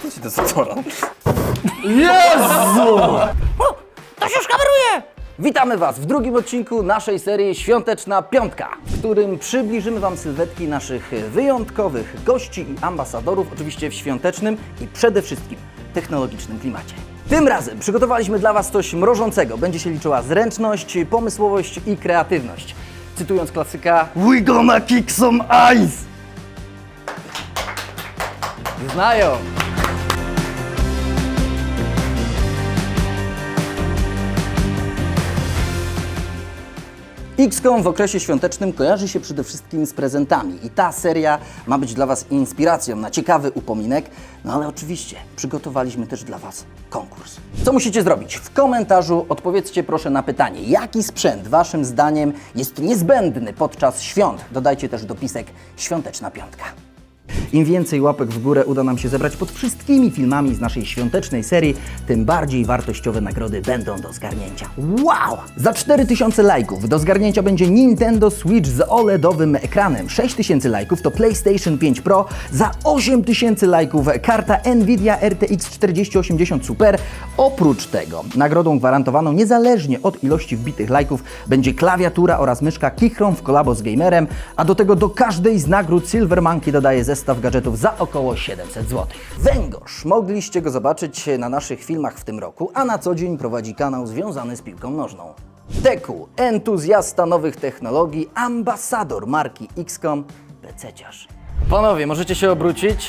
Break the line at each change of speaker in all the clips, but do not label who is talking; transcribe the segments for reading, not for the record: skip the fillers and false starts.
Co ci dezodora?
Jezu! To się już kameruje! Witamy Was w drugim odcinku naszej serii Świąteczna Piątka, w którym przybliżymy Wam sylwetki naszych wyjątkowych gości i ambasadorów, oczywiście w świątecznym i przede wszystkim technologicznym klimacie. Tym razem przygotowaliśmy dla Was coś mrożącego. Będzie się liczyła zręczność, pomysłowość i kreatywność. Cytując klasyka: "We gonna kick some ice!" Znają! XCOM w okresie świątecznym kojarzy się przede wszystkim z prezentami i ta seria ma być dla Was inspiracją na ciekawy upominek, no ale oczywiście przygotowaliśmy też dla Was konkurs. Co musicie zrobić? W komentarzu odpowiedzcie proszę na pytanie, jaki sprzęt Waszym zdaniem jest niezbędny podczas świąt. Dodajcie też dopisek Świąteczna Piątka. Im więcej łapek w górę uda nam się zebrać pod wszystkimi filmami z naszej świątecznej serii, tym bardziej wartościowe nagrody będą do zgarnięcia. Wow! Za 4000 lajków do zgarnięcia będzie Nintendo Switch z OLED-owym ekranem. 6000 lajków to PlayStation 5 Pro. Za 8000 lajków karta Nvidia RTX 4080 Super. Oprócz tego nagrodą gwarantowaną niezależnie od ilości wbitych lajków będzie klawiatura oraz myszka Keychron w kolabo z gamerem, a do tego do każdej z nagród Silver Monkey dodaje zestaw gadżetów za około 700 zł. Węgorz. Mogliście go zobaczyć na naszych filmach w tym roku, a na co dzień prowadzi kanał związany z piłką nożną. Teku, entuzjasta nowych technologii, ambasador marki XCOM, pececiarz. Panowie, możecie się obrócić.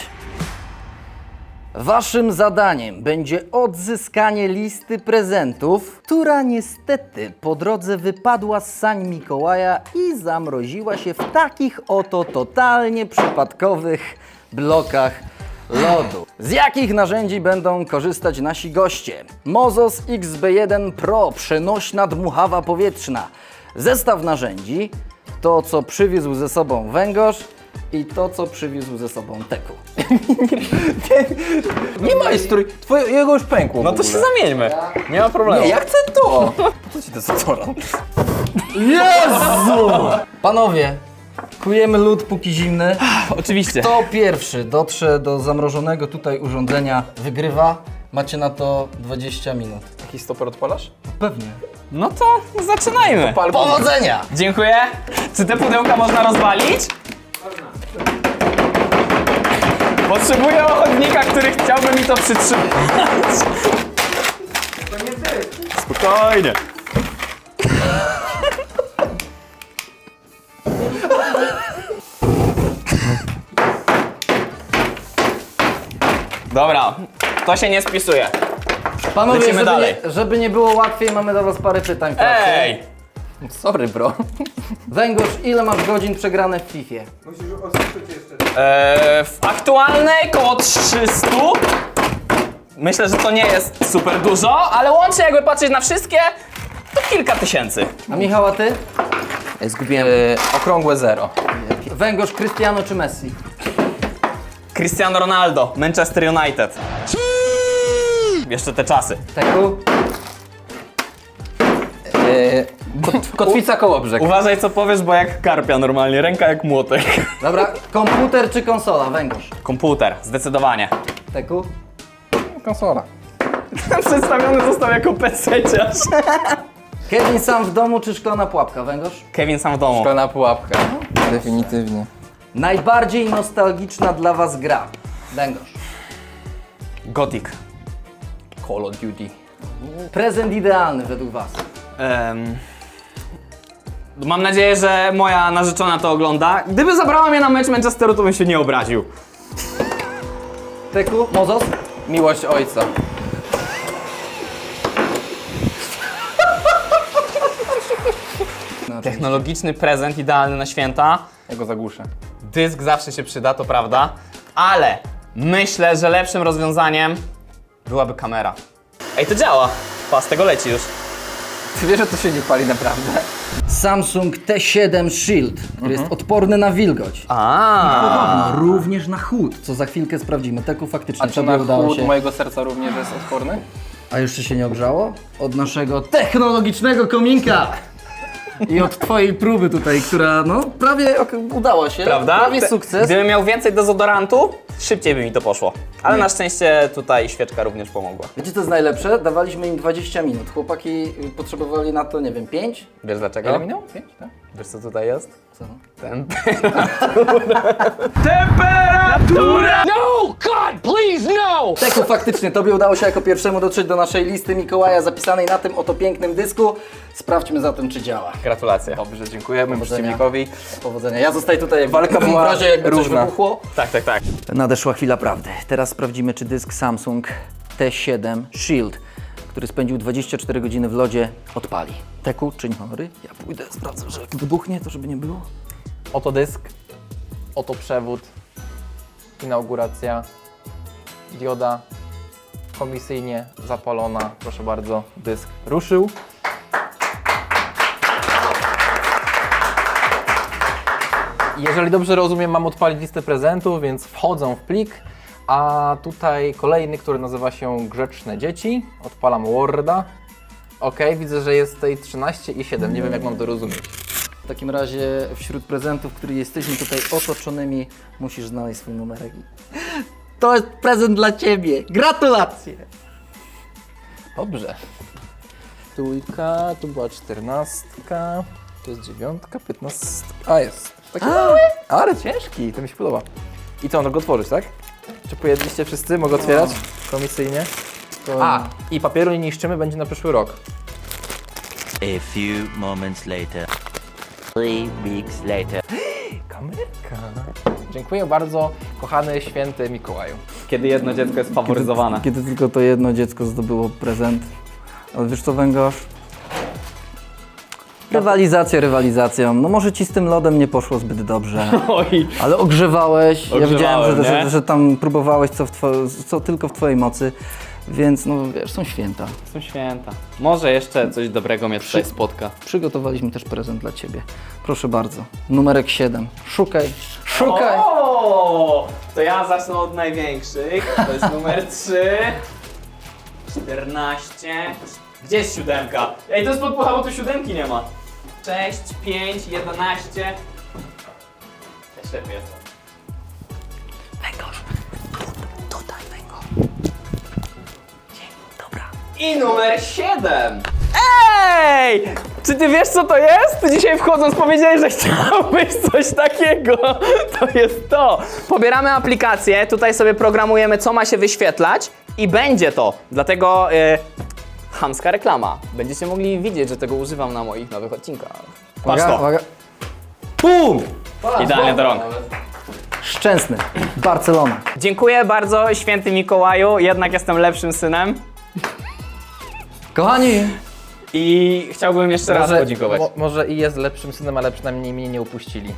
Waszym zadaniem będzie odzyskanie listy prezentów, która niestety po drodze wypadła z sań Mikołaja i zamroziła się w takich oto totalnie przypadkowych blokach lodu. Z jakich narzędzi będą korzystać nasi goście? Mozos XB1 Pro, przenośna dmuchawa powietrzna. Zestaw narzędzi, to co przywiózł ze sobą Węgorz i to, co przywiózł ze sobą Teku.
Nie majstruj, jego już pękło.
No to się zamieńmy. Nie ma problemu.
Nie, ja chcę to! Co ci dezodora?
Jezu! Panowie, kujemy lód póki zimny.
Oczywiście.
Kto pierwszy dotrze do zamrożonego tutaj urządzenia, wygrywa. Macie na to 20 minut.
Jakiś stoper odpalasz?
Pewnie.
No to zaczynajmy.
Powodzenia!
Dziękuję. Czy te pudełka można rozwalić? Potrzebuję ochotnika, który chciałby mi to przytrzymać. Spokojnie. Dobra, to się nie spisuje.
Panowie,
Lecimy dalej.
żeby nie było łatwiej, mamy do Was parę pytań.
Ej!
Sorry, bro.
Węgorz, ile masz godzin przegrane w Fifie?
W aktualnej koło 300. Myślę, że to nie jest super dużo, ale łącznie jakby patrzeć na wszystkie, to kilka tysięcy.
A Michał, a Ty?
Zgubiłem okrągłe 0.
Węgorz, Cristiano czy Messi?
Cristiano Ronaldo, Manchester United. Jeszcze te czasy.
Teku?
Kotwica Kołobrzeg.
Uważaj co powiesz, bo jak karpia normalnie, ręka jak młotek.
Dobra, komputer czy konsola? Węgorz.
Komputer, zdecydowanie.
Teku?
Konsola.
Przedstawiony został jako PC-ciarz.
Kevin sam w domu czy szklana pułapka? Węgorz?
Kevin sam w domu.
Szklana pułapka. Definitywnie.
Najbardziej nostalgiczna dla Was gra? Węgorz.
Gothic.
Call of Duty.
Prezent idealny według Was?
Mam nadzieję, że moja narzeczona to ogląda. Gdyby zabrała mnie na mecz Manchesteru, to bym się nie obraził.
Teku? Mozos?
Miłość ojca.
Technologiczny prezent idealny na święta.
Ja go zagłuszę.
Dysk zawsze się przyda, to prawda. Ale myślę, że lepszym rozwiązaniem byłaby kamera. Ej, to działa. Pas, tego leci już.
Ty wiesz, że to się nie pali naprawdę?
Samsung T7 Shield, który jest odporny na wilgoć.
A.
Również na chłód, co za chwilkę sprawdzimy. Teku faktycznie
A czy
tobie
na
udało
chłód
się.
mojego serca również jest odporny?
A jeszcze się nie ogrzało? Od naszego technologicznego kominka! I od twojej próby tutaj, która no prawie udała się.
Prawda?
Prawie sukces.
Gdybym miał więcej dezodorantu, szybciej by mi to poszło. Ale na szczęście tutaj świeczka również pomogła.
Wiecie co jest najlepsze? Dawaliśmy im 20 minut. Chłopaki potrzebowali na to, nie wiem, 5?
Wiesz dlaczego?
Ile minęło? 5, tak?
Wiesz co tutaj jest?
Co?
Temperatura!
No! God, please, no!
Teku, faktycznie, tobie udało się jako pierwszemu dotrzeć do naszej listy Mikołaja zapisanej na tym oto pięknym dysku. Sprawdźmy zatem, czy działa.
Gratulacje.
Dobrze, dziękujemy
Powodzenia.
przeciwnikowi.
Powodzenia. Ja zostaję tutaj, jak
Walka
w
była
razie jakby coś
równa.
wybuchło.
Tak, tak, tak.
Nadeszła chwila prawdy. Teraz sprawdzimy, czy dysk Samsung T7 Shield, który spędził 24 godziny w lodzie, odpali. Teku, czyń honory. Ja pójdę, sprawdzę, że jak wybuchnie, to żeby nie było.
Oto dysk, oto przewód, inauguracja, dioda komisyjnie zapalona. Proszę bardzo, dysk ruszył. Jeżeli dobrze rozumiem, mam odpalić listę prezentów, więc wchodzą w plik, a tutaj kolejny, który nazywa się Grzeczne Dzieci. Odpalam Worda. Ok, widzę, że jest tutaj 13 i 7, nie wiem jak mam to rozumieć.
W takim razie wśród prezentów, których jesteśmy tutaj otoczonymi, musisz znaleźć swój numerek. To jest prezent dla Ciebie. Gratulacje!
Dobrze. Trójka, tu była 14, to jest 9, 15. A jest. Taki mały, ale ciężki, to mi się podoba. I co, no go otworzyć, tak? Czy pojedliście wszyscy? Mogę otwierać komisyjnie? A, i papieru nie niszczymy, będzie na przyszły rok.
A few moments later. 3 weeks later.
Kamerka. Dziękuję bardzo, kochany święty Mikołaju.
Kiedy jedno dziecko jest faworyzowane.
Kiedy tylko to jedno dziecko zdobyło prezent. Ale wiesz co, Węgorz? Rywalizacja rywalizacją. No może Ci z tym lodem nie poszło zbyt dobrze.
Oj.
Ale ogrzewałeś. Ja widziałem,
Ogrzewałem,
że tam próbowałeś co tylko w Twojej mocy. Więc no wiesz, są święta.
Są święta. Może jeszcze coś dobrego mnie tutaj spotka.
Przygotowaliśmy też prezent dla Ciebie. Proszę bardzo. Numerek 7. Szukaj. Szukaj.
O, to ja zacznę od największych. To jest numer 3. 14. Gdzie jest 7? Ej, to jest podpucha, bo tu 7 nie ma. 6, 5, 11. Ja ślepy jestem.
Węgorz. Tutaj, Węgorz. Dobra.
I numer 7. Ej! Czy ty wiesz co to jest? Ty dzisiaj wchodząc powiedziałeś, że chciałbyś coś takiego. To jest to. Pobieramy aplikację, tutaj sobie programujemy co ma się wyświetlać i będzie to. Dlatego chamska reklama. Będziecie mogli widzieć, że tego używam na moich nowych odcinkach. Patrz to.
Uwaga.
Pum! Idealnie do rąk.
Szczęsny. Barcelona.
Dziękuję bardzo, święty Mikołaju. Jednak jestem lepszym synem.
Kochani.
I chciałbym jeszcze raz podziękować.
Może i jest lepszym synem, ale przynajmniej mnie nie upuścili.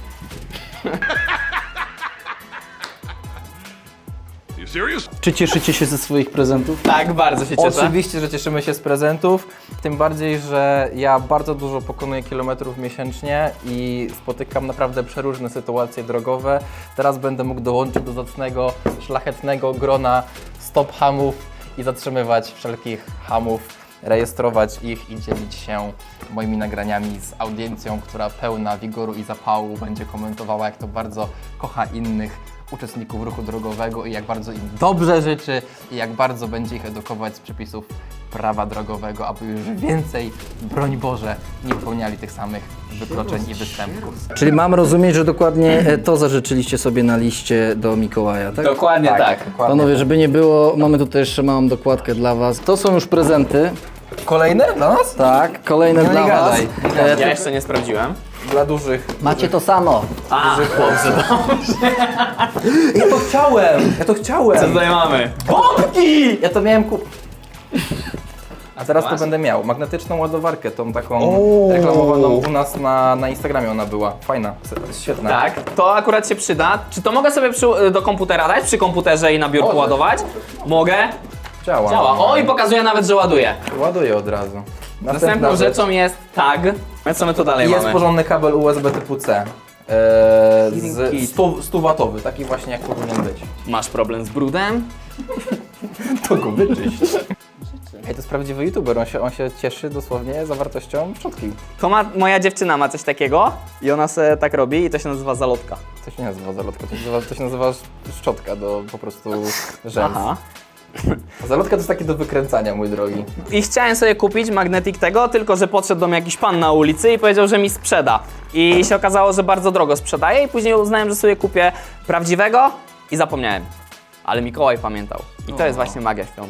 Czy cieszycie się ze swoich prezentów?
Tak, bardzo się cieszę.
Oczywiście, że cieszymy się z prezentów, tym bardziej, że ja bardzo dużo pokonuję kilometrów miesięcznie i spotykam naprawdę przeróżne sytuacje drogowe. Teraz będę mógł dołączyć do zacnego, szlachetnego grona stop hamów i zatrzymywać wszelkich hamów, rejestrować ich i dzielić się moimi nagraniami z audiencją, która pełna wigoru i zapału będzie komentowała, jak to bardzo kocha innych uczestników ruchu drogowego i jak bardzo im dobrze życzy i jak bardzo będzie ich edukować z przepisów prawa drogowego, aby już więcej, broń Boże, nie popełniali tych samych wykroczeń i występków.
Czyli mam rozumieć, że dokładnie to zażyczyliście sobie na liście do Mikołaja, tak?
Dokładnie tak.
Panowie, żeby nie było, mamy tutaj jeszcze małą dokładkę dla Was. To są już prezenty.
Kolejne dla nas?
Tak, kolejne
No
dla
nie
Was.
gadaj.
Ja jeszcze nie sprawdziłem.
Dla dużych.
Macie to samo.
A, dobrze.
Ja to chciałem! Ja to chciałem!
Co tutaj mamy? Bombki!
Ja to miałem kupić.
A teraz to będę miał magnetyczną ładowarkę, tą taką reklamowaną u nas na Instagramie ona była. Fajna, świetna.
Tak, to akurat się przyda. Czy to mogę sobie do komputera dać, przy komputerze i na biurku ładować? Mogę.
Działa.
Działa. O, i pokazuje nawet, że ładuje.
Ładuję od razu.
Następną rzeczą jest tag. A co my tu dalej
Jest
mamy?
porządny kabel USB typu C. Z 100 watowy, taki właśnie jak powinien być.
Masz problem z brudem?
To go wyczyść. Ej, to jest prawdziwy youtuber, on się cieszy dosłownie zawartością szczotki.
Moja dziewczyna ma coś takiego i ona se tak robi i to się nazywa zalotka.
To się nie nazywa zalotka, to się nazywa szczotka do po prostu rzęs.
Aha.
A zalotka to jest takie do wykręcania, mój drogi.
I chciałem sobie kupić magnetik tego, tylko że podszedł do mnie jakiś pan na ulicy i powiedział, że mi sprzeda. I się okazało, że bardzo drogo sprzedaje i później uznałem, że sobie kupię prawdziwego i zapomniałem. Ale Mikołaj pamiętał. I to jest właśnie magia świąt.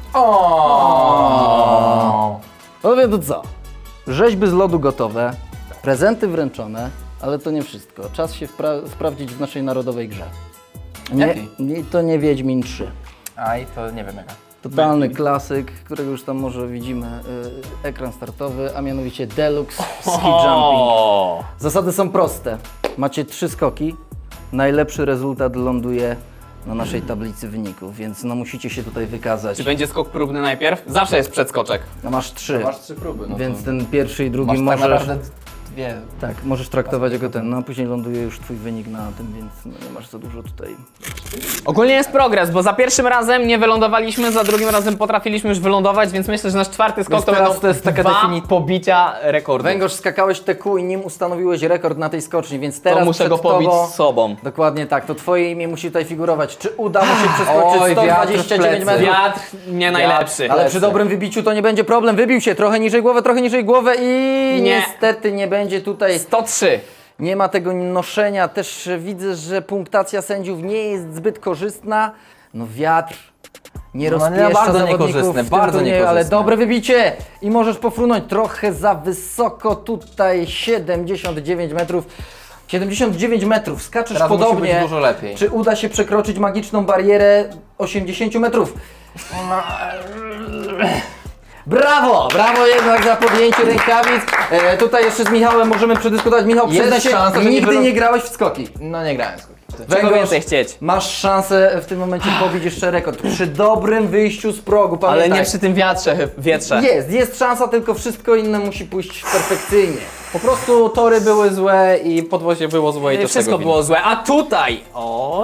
No wie to co? Rzeźby z lodu gotowe, prezenty wręczone, ale to nie wszystko. Czas się sprawdzić w naszej narodowej grze.
Jakiej?
To nie Wiedźmin 3.
A i to nie wiem jaka.
Totalny klasyk, którego już tam może widzimy ekran startowy, a mianowicie Deluxe Ski Jumping. Zasady są proste. Macie 3 skoki, najlepszy rezultat ląduje na naszej tablicy wyników, więc no musicie się tutaj wykazać.
Czy będzie skok próbny najpierw? Zawsze jest przedskoczek.
No masz 3,
Masz 3 próby, no
więc
to
ten pierwszy i drugi
masz tak
możesz...
naprawdę 2.
Tak, możesz traktować jako ten, no a później ląduje już twój wynik na tym, więc no nie masz za dużo tutaj.
Ogólnie jest progres, bo za pierwszym razem nie wylądowaliśmy, za drugim razem potrafiliśmy już wylądować, więc myślę, że nasz czwarty skok
Więc
to
teraz
będą
to jest taka
pobicia rekordu.
Węgorz, skakałeś TQ i nim ustanowiłeś rekord na tej skoczni, więc teraz
To muszę go
przed
pobić
tobą...
z sobą.
Dokładnie tak, to twoje imię musi tutaj figurować. Czy uda mu się przeskoczyć
Oj, wiatr w
129
plecy.
metrów?
Wiatr nie najlepszy.
Ale przy dobrym wybiciu to nie będzie problem. Wybił się trochę niżej głowę i
Nie.
niestety nie będzie tutaj...
103.
Nie ma tego noszenia. Też widzę, że punktacja sędziów nie jest zbyt korzystna. No wiatr nie
No,
rozpieszcza
bardzo
zawodników
niekorzystne,
w tym
bardzo
turnieju, ale
niekorzystne.
dobre wybicie i możesz pofrunąć trochę za wysoko tutaj 79 metrów. 79 metrów, skaczesz
Teraz musi
podobnie.
być dużo lepiej.
Czy uda się przekroczyć magiczną barierę 80 metrów? Brawo! Brawo jednak za podjęcie rękawic. Tutaj jeszcze z Michałem możemy przedyskutować. Michał,
Jest
przyznaj się,
szansa, że nie
nigdy
wylą-
nie grałeś w skoki.
No nie grałem skoki.
Czego
Węgorz,
więcej chcieć?
masz szansę w tym momencie pobić jeszcze rekord. Przy dobrym wyjściu z progu,
Ale
pamiętaj.
nie przy tym wietrze.
Jest szansa, tylko wszystko inne musi pójść perfekcyjnie.
Po prostu tory były złe i podwozie było złe i to
Wszystko
tego
było złe, a tutaj... Oj.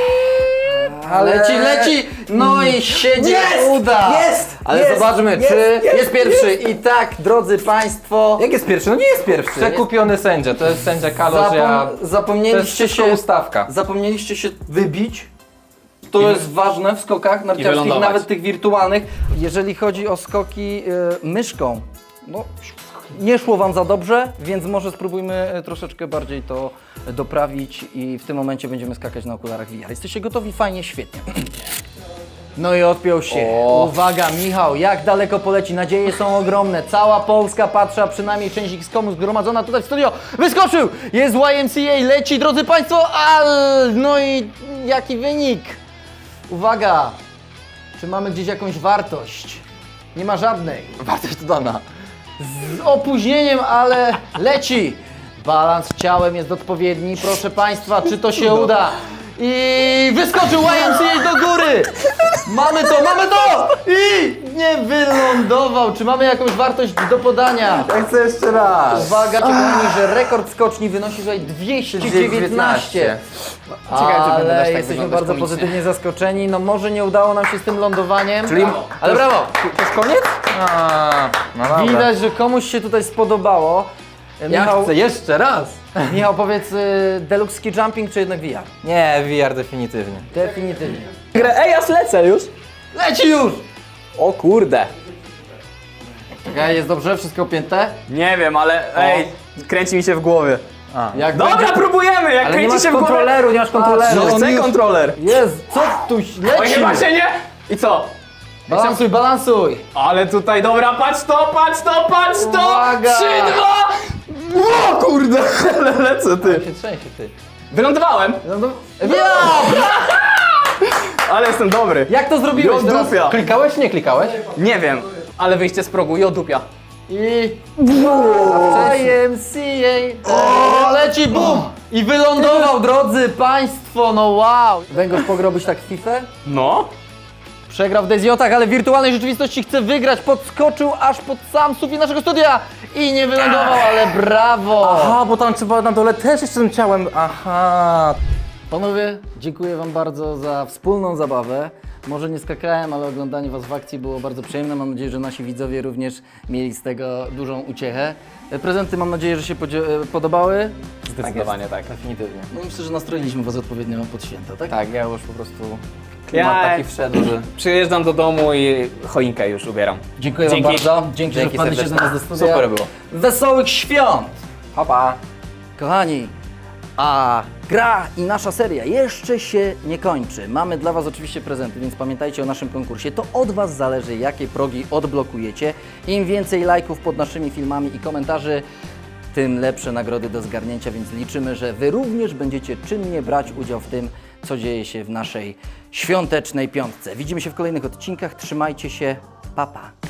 Leci! No i siedzie, uda! Ale zobaczmy, czy jest pierwszy. I tak, drodzy Państwo,
Jak jest pierwszy? No nie jest pierwszy. Przekupiony sędzia, to jest sędzia Kalorzia. To jest
zapomnieliście
wszystko
się
ustawka.
Zapomnieliście się wybić. To jest ważne w skokach narciarskich,
wylądować.
nawet tych wirtualnych. Jeżeli chodzi o skoki myszką, no nie szło Wam za dobrze, więc może spróbujmy troszeczkę bardziej to doprawić i w tym momencie będziemy skakać na okularach VR. Jesteście gotowi? Fajnie, świetnie. No i odpiął się. Uwaga, Michał, jak daleko poleci? Nadzieje są ogromne. Cała Polska patrzy, a przynajmniej część X-Komu zgromadzona tutaj w studio. Wyskoczył! Jest YMCA, leci, drodzy Państwo, no i jaki wynik? Uwaga, czy mamy gdzieś jakąś wartość? Nie ma żadnej.
Wartość dodana.
Z opóźnieniem, ale leci. Balans ciałem jest odpowiedni. Proszę Państwa, czy to się uda? I wyskoczył YMCA do góry! Mamy to! I nie wylądował. Czy mamy jakąś wartość do podania?
Ja chcę jeszcze raz.
Uwaga, kochani, że rekord skoczni wynosi tutaj 219.
Ciekawe, czy będę też
Ale
tak
jesteśmy
wyglądać
bardzo
komicznie.
pozytywnie zaskoczeni. No może nie udało nam się z tym lądowaniem.
Czyli-
Ale brawo!
To już koniec? No dobra.
Widać, że komuś się tutaj spodobało.
Ja chcę jeszcze raz.
Michał, powiedz, Deluxe Ski Jumping czy jednak VR?
Nie, VR definitywnie.
Definitywnie.
Ej, ja lecę już.
Leci już!
O kurde.
Czekaj, jest dobrze? Wszystko opięte?
Nie wiem, ale ej, kręci mi się w głowie.
Jak
Dobra,
będzie...
próbujemy, jak
Ale nie
kręci
masz
się w głowie.
kontroleru, nie masz kontroleru.
No chcę kontroler.
Jest, co tu
Oj,
leci?
chyba się nie. I co?
Balansuj, balansuj!
Ale tutaj, dobra, patrz to!
Uwaga!
3, 2! O kurde, ale lecę ty.
Się trzęsie, ty.
Wylądowałem, ale jestem dobry.
Jak to zrobiłeś teraz?
Jodupia.
Klikałeś, nie klikałeś?
Nie wiem, ale wyjście z progu, jodupia.
I... YMCA! O, leci, bum! I wylądował, drodzy Państwo, no wow! Węgorz, pograłbyś tak w FIFA?
No.
Przegrał w Dezjotach, ale w wirtualnej rzeczywistości chce wygrać. Podskoczył aż pod sam sufit naszego studia i nie wylądował, ale brawo!
Aha, bo tam trzeba na dole też jeszcze tym ciałem. Aha.
Panowie, dziękuję Wam bardzo za wspólną zabawę. Może nie skakałem, ale oglądanie Was w akcji było bardzo przyjemne. Mam nadzieję, że nasi widzowie również mieli z tego dużą uciechę. Prezenty mam nadzieję, że się podobały.
Zdecydowanie tak.
Definitywnie.
No i myślę, że nastroiliśmy Was odpowiednio pod święta, tak?
Tak, ja już po prostu klimat taki wszedł, że...
Przyjeżdżam do domu i choinkę już ubieram.
Dziękuję
Dzięki.
Wam bardzo. Dzięki, że
Dzięki
wpadliście do
serdecznie.
nas do studia.
Super było.
Wesołych świąt!
Pa, pa!
Kochani, a gra i nasza seria jeszcze się nie kończy. Mamy dla Was oczywiście prezenty, więc pamiętajcie o naszym konkursie. To od Was zależy, jakie progi odblokujecie. Im więcej lajków pod naszymi filmami i komentarzy, tym lepsze nagrody do zgarnięcia, więc liczymy, że Wy również będziecie czynnie brać udział w tym, co dzieje się w naszej świątecznej piątce. Widzimy się w kolejnych odcinkach. Trzymajcie się. Pa, pa.